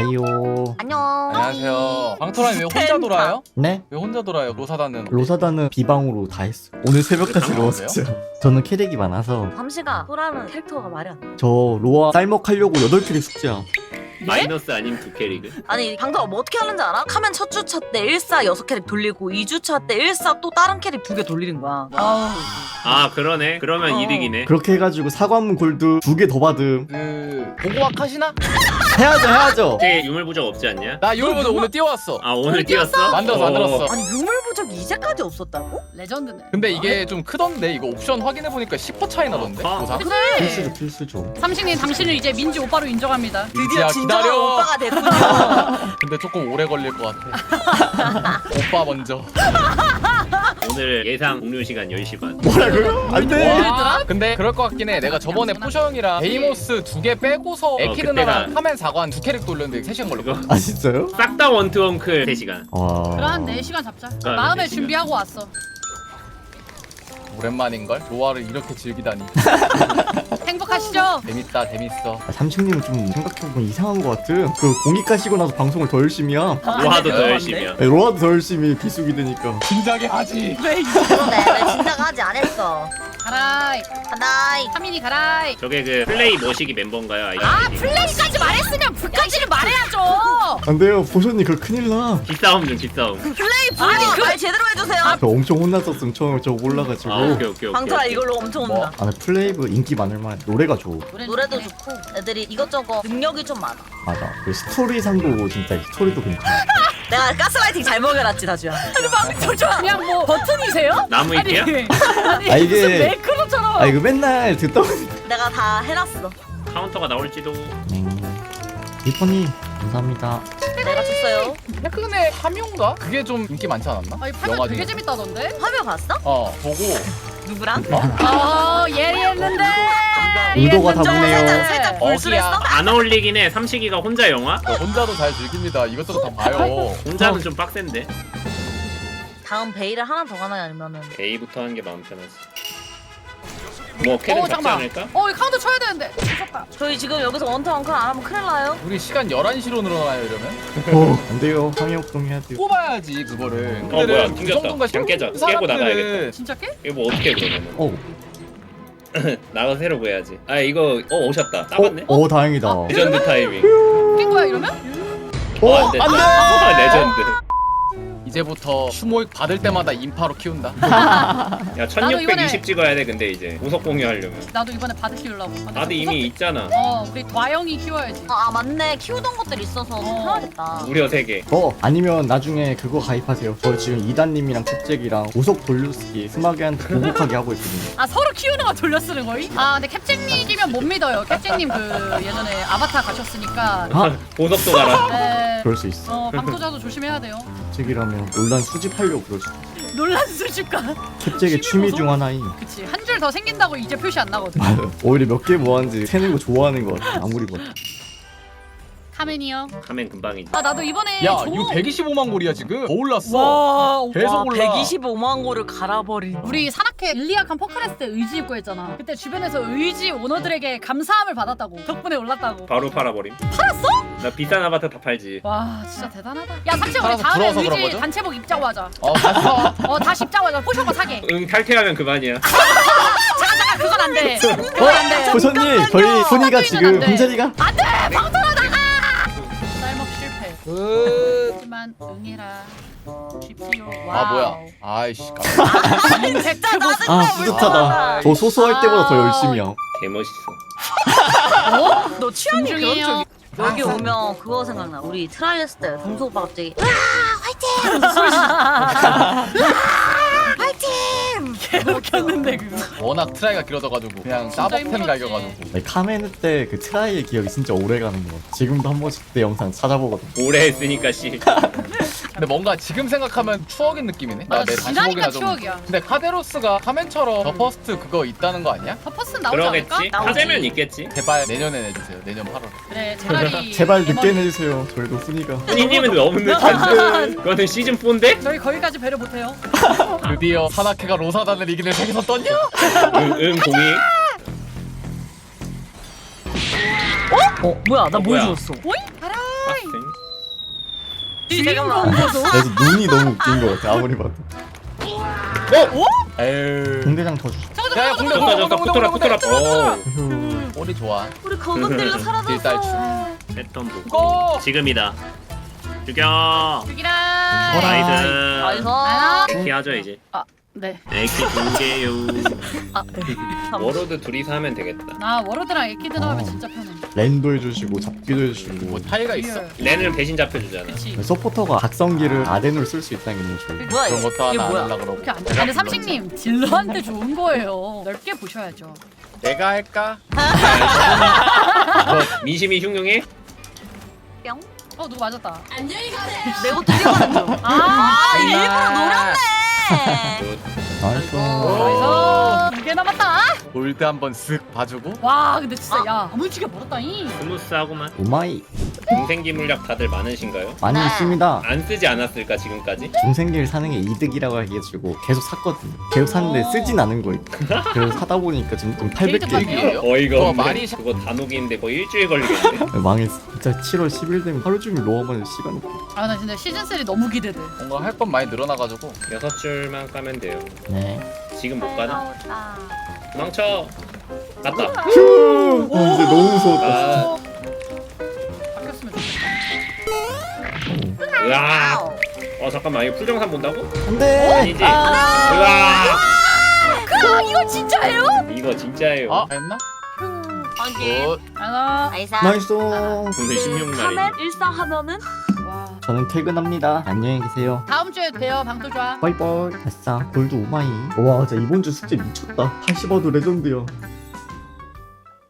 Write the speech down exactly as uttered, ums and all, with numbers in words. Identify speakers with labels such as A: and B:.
A: 아이요.
B: 안녕.
C: 안녕하세요. 방토라님 왜 혼자 돌아요?
A: 네?
C: 왜 혼자 돌아요? 로사다는
A: 로사다는 비방으로 다 했어. 오늘 새벽까지
C: 왜
A: 로웠죠. 저는 캐릭이 많아서
B: 밤시가 소라는 캐릭터가 말이 안 돼.
A: 저 로아 쌀먹하려고 여덟 캐릭 숙제야.
D: 마이너스 아님 두 캐릭을?
B: 아니 방토가 뭐 어떻게 하는지 알아? 카멘 첫 주차 때 일사 여섯 캐릭 돌리고 이 주차 때 일사 또 다른 캐릭 두 개 돌리는 거야. 아우.
D: 아 그러네. 그러면
B: 어.
D: 이득이네.
A: 그렇게 해가지고 사과문 골드 두 개 더 받음.
C: 그 보고학 하시나?
A: 해야죠 해야죠.
D: 이제 유물부적 없지 않냐?
C: 나 이거보다 오늘 띄워왔어.
D: 아 오늘 뛰었어?
C: 만들었어, 만들었어.
B: 아니 유물부적 이제까지 없었다고?
E: 레전드네.
C: 근데 이게 좀 크던데 이거 옵션 확인해보니까 십 퍼센트 차이 나던데
D: 아,
C: 보상?
A: 필수죠 필수죠.
E: 삼식님 당신을 이제 민지 오빠로 인정합니다.
B: 드디어
C: 야,
B: 진정한
C: 기다려.
B: 오빠가 됐군요.
C: 근데 조금 오래 걸릴 것 같아. 오빠 먼저.
D: 오늘 예상 공유 시간 열 시 반.
A: 뭐라고요? 안돼.
C: 와, 근데 그럴 것 같긴 해. 내가 저번에 포셔 형이랑 베이모스 두 개 빼고서 에키드나랑
D: 그때가-
C: 카멘 사관 두 캐릭 돌렸는데 세 시간 걸렸거든.
A: 아 진짜요?
D: 싹 다 원투원클 세 시간.
A: 와.
E: 그럼 한 네 시간 잡자.
D: 아,
E: 마음에
D: 네 시간.
E: 준비하고 왔어.
C: 오랜만인걸? 로아를 이렇게 즐기다니.
E: 행복하시죠?
C: 재밌다, 재밌어.
A: 아, 삼식님은 좀 생각해보면 이상한 것 같은. 그 공익 가시고 나서 방송을 더 열심히 함.
D: 로하도 더
B: 맞네.
D: 열심히야.
A: 네, 로아도 더 열심히 비수기 되니까.
C: 진작에 하지.
B: 그러네. 내 진작 하지 안 했어.
E: 가라이.
B: 하나이.
E: 하민이 가라이.
D: 저게 그 플레이 머시기 멤버인가요? 아이디?
E: 아 플레이까지 말했으면 불까지는 말해야죠.
A: 안돼요 보션님 그거 큰일 나.
D: 기싸움 중 기싸움.
B: 플레이 아니 말 제대로 해주세요.
A: 저 엄청 혼났었음 처음에 저 올라가지고.
D: 아 오케이 오케이 오케이.
B: 방토라
D: 오케이.
B: 이걸로 엄청
C: 뭐?
B: 온다.
A: 아, 근데 플레이브 인기 많을 만해. 노래가 좋고.
B: 노래도 좋고 애들이 이것저것 능력이 좀 많아.
A: 맞아. 그 스토리상도 진짜 스토리도 괜찮아.
B: 내가 가스라이팅 잘 먹여놨지 다주야. 아니 방토 좋아.
E: 그냥 뭐 버튼이세요?
D: 나무 잎이야?
E: 아니
A: 아, 이게-
E: 무슨 매크로처럼.
A: 아 이거 맨날 듣다 보니.
B: 내가 다 해놨어.
D: 카운터가 나올지도.
A: 리퍼님 감사합니다.
B: 내가 줬어요.
C: 최근에 함용가? 그게 좀 인기 많지 않았나?
E: 아니 파면
C: 영화
E: 되게
C: 중에.
E: 재밌다던데?
B: 화면 봤어?
C: 어, 보고.
B: 누구랑?
E: 어 예리했는데.
A: 의도가
B: 좀
A: 다르네요.
B: 살짝 살짝 불순했어?
C: 어기야.
D: 안 어울리긴 해. 삼식이가 혼자 영화?
C: 저 혼자도 잘 즐깁니다. 이것저것 다 봐요.
D: 혼자는 좀 빡센데.
B: 다음 베일을 하나 더 가나요 아니면은?
D: A부터 하는 게 마음 편하지. 뭐 캐릭
E: 어
D: 잡지
E: 잠깐만.
D: 않을까?
E: 어 이거 카운터 쳐야 되는데. 무섭다.
B: 저희 지금 여기서 원터 원클 안 하면 큰일 나요.
C: 우리 시간 열한 시로 늘어나요, 이러면?
A: 어, 안 돼요. 상해역동 해야 돼요.
C: 뽑아야지, 그거를.
D: 어, 뭐야, 튕겼다. 그냥 깨자. 깨고 나가야겠다.
E: 진짜 깨?
D: 이거 뭐 어떻게 해 그러면은?
A: 어,
D: 나가서 새로 구해야지. 아 이거 어 오셨다. 따봤네.
A: 어, 어 다행이다.
D: 레전드 타이밍.
E: 깬 거야 이러면?
A: 어,
D: 안 돼.
A: 안 돼.
D: 아, 레전드.
C: 이제부터 슈모익 받을 때마다 인파로 키운다.
D: 야 천육백이십 찍어야 돼 근데 이제 우석 공유하려면.
E: 나도 이번에 바드 키우려고. 아, 나
D: 나도 이미 있잖아.
E: 어 우리 과영이 키워야지.
B: 아, 아 맞네 키우던 것들 있어서 좀
E: 어.
B: 편하겠다.
D: 무려 세 개.
A: 어, 아니면 나중에 그거 가입하세요. 저 지금 이단님이랑 캡잭이랑 우석 돌려쓰기 스마게한테 보복하게 하고 있거든요.
E: 아 서로 키우는 거 돌려쓰는 거이? 아 근데 캡잭님이면 못 믿어요. 캡잭님 그 예전에 아바타 가셨으니까.
A: 아,
D: 보석도 가라.
E: 네.
A: 그럴 수 있어.
E: 어 방토자도 조심해야 돼요.
A: 캡잭이라면 논란 수집하려고 그럴 수 있어.
E: 논란 수집가.
A: 캡잭의 취미 중 하나인.
E: 그치 한 줄 더 생긴다고 이제 표시 안 나거든.
A: 맞아. 오히려 몇 개 모았는지 세는 거 좋아하는 것 같아. 아무리 봐도.
E: 카멘이요.
D: 하면 금방이지.
E: 아 나도 이번에.
C: 야,
E: 조-
C: 이거 백이십오만 골이야, 지금. 더 올랐어.
B: 와
C: 계속
B: 와,
C: 올라.
B: 백이십오만 고를 갈아버린.
E: 우리 산악회 일리아칸 포카레스 때 의지 입고 했잖아. 그때 주변에서 의지 오너들에게 감사함을 받았다고. 덕분에 올랐다고.
D: 바로 팔아버림.
E: 팔았어?
D: 나 비싼 아바타 다 팔지.
E: 와 진짜 대단하다. 야 삼촌 우리
C: 팔아서
E: 다음에
C: 부러워서 그런
E: 의지
C: 거죠?
E: 단체복 입자고 하자.
C: 어, 갔어.
E: 어 다시 입자고 하자. 포셔거 사게.
D: 응 탈퇴하면 그만이야.
E: 아 그건 안 돼. 그건 안 돼.
A: 보선님, 저희 순이가
E: 안
A: 지금
E: 돼.
A: 군자리가
E: 안돼 방토라 나가. 쌀먹 실패.
C: 끝.
E: 하지만 응해라. 지피오.
C: 아, 뭐야. 아이씨, 깜짝이야.
B: 진짜 짜증나.
A: 아, 뿌듯하다. 저 소소할 때보다 더 열심히 함.
D: 개멋있어.
B: 어? 너 취향이 그런
E: 존중해요.
B: 쪽이. 여기 오면 그거 생각나. 우리 트라이 했을 때 동수 오빠 갑자기 으아 화이팅! 하면서 소리 지르- 으아 화이팅!
E: 개웃겼는데 그거.
C: 워낙 트라이가 길어져가지고 그냥
E: 진짜
C: 따벅템
E: 힘들었지.
C: 갈겨가지고.
A: 아니, 카메르 때 그 트라이의 기억이 진짜 오래 가는 거 같아. 지금도 한 번씩 그때 영상 찾아보거든.
D: 오래 했으니까 씨.
C: 근데 뭔가 지금 생각하면 추억인 느낌이네.
E: 맞아,
C: 내
E: 지나니까
C: 다시보기나 좀.
E: 추억이야.
C: 근데 카데로스가 카멘처럼 더 퍼스트 그거 있다는 거 아니야?
E: 더 퍼스는 나오지 않을까?
D: 그러겠지.
B: 나오지.
D: 하재면 있겠지.
C: 제발 내년에 내주세요. 내년 팔월.
E: 그래 제발이.
A: 제발 늦게 내주세요. 저희도 순이가.
D: 훈이님은 너무 늦었는데. 그거는 시즌 사인데?
E: 저희 거기까지 배려 못해요.
C: 드디어 산악회가 로사단을 이기는 세계선 떴냐?
D: 응, 응 공이.
B: 어? 뭐야 나 뭘
D: 뭐야?
B: 주웠어?
E: 오이 가라.
D: 빡세.
B: 잠깐만.
E: 보소.
A: 그래서 눈이 너무 웃긴 것 같아 아무리 봐도.
C: 에휴.
A: 공대장 더 주시.
E: 저거
C: 야, 야,
E: 저거
C: 공대,
E: 저거
D: 좋다
C: 공대,
D: 좋다
C: 공대,
D: 붙어라
C: 공대,
D: 붙어라
C: 공대.
D: 오
A: 휴.
C: 꼬리 좋아.
B: 우리 검은들로
C: 딜딸출.
B: 사라졌어.
D: 패턴 보고
C: 고!
D: 지금이다 죽여
E: 죽이라.
D: 나이스
B: 나이스.
E: 아,
D: 에키 하죠 이제
E: 네.
D: 에키 두 개요
E: 아, 네.
D: 워로드 둘이서 하면 되겠다
E: 나 워로드랑 에키드 나오면
A: 어.
E: 진짜 편해.
A: 랜도 해주시고 잡기도 해주시고.
C: 뭐 타이가 있어?
E: 리얼.
D: 렌은 배신 잡혀주잖아
E: 그치.
A: 서포터가 각성기를 아덴으로 쓸 수 있다는 게 너무 좋아요.
B: 뭐야
C: 그런
B: 이거?
C: 것도
B: 이게
C: 하나 안
B: 뭐야?
C: 하려고 그러고.
E: 그렇게 안 돼. 근데 삼식님 딜러한테 좋은 거예요. 넓게 보셔야죠.
C: 내가 할까?
D: 뭐, 민심이 흉흉해?
B: 뿅.
E: 어 누구 맞았다.
B: 내 것도 이겨가는 중.
E: 아,
B: 아 일부러 노렸네.
A: 나이스.
E: 그래서 두 개 남았다.
C: 골드 한번 쓱 봐주고.
E: 와, 근데 진짜 야 아무지게 멀었다잉.
D: 스무스하고만
A: 오마이
D: 중생기 물약 다들 많으신가요?
A: 많이
B: 네.
A: 있습니다.
D: 안 쓰지 않았을까 지금까지?
A: 중생기를 사는 게 이득이라고 해가지고 계속 샀거든요. 계속 샀는데
E: 오.
A: 쓰진 않은 거 있고. 그래서 사다 보니까 지금 좀 팔백 개
E: 게이득
D: 어이가
C: 그거
D: 없네
C: 많이
D: 그거 다 녹이는데 거의 일주일 걸리겠네
A: 망했어. 진짜 칠월 십일 되면 하루 종일 로어만 시간 없고.
E: 아, 나 진짜 시즌 삼 너무 기대돼.
C: 뭔가 할 건 많이 늘어나가지고.
D: 여섯 줄만 까면 돼요
A: 네.
D: 지금 못 가나?
B: 나오다.
D: 망쳐 갔다
A: 휴. 아, 이제 너무 무서웠다.
D: 아,
E: 바뀌었으면 좋겠다.
D: 으아
B: 아우.
D: 어 잠깐만 이거 풀정산 본다고?
A: 안돼.
D: 아니지? 으아
E: 그 이거 진짜예요?
D: 이거 진짜예요
C: 아, 했나?
B: 확인.
C: 굿.
E: 아,
B: 나이스.
A: 나이스.
D: 오늘 십육 날이
B: 카멜 일상하면은
E: 와.
A: 저는 퇴근합니다. 안녕히 계세요.
E: 다음 주에 봬요. 방도 좋아.
A: 바이바이. 아싸 골드 오마이. 와 진짜 이번 주 숙제 미쳤다. 팔십 와도 레전드야.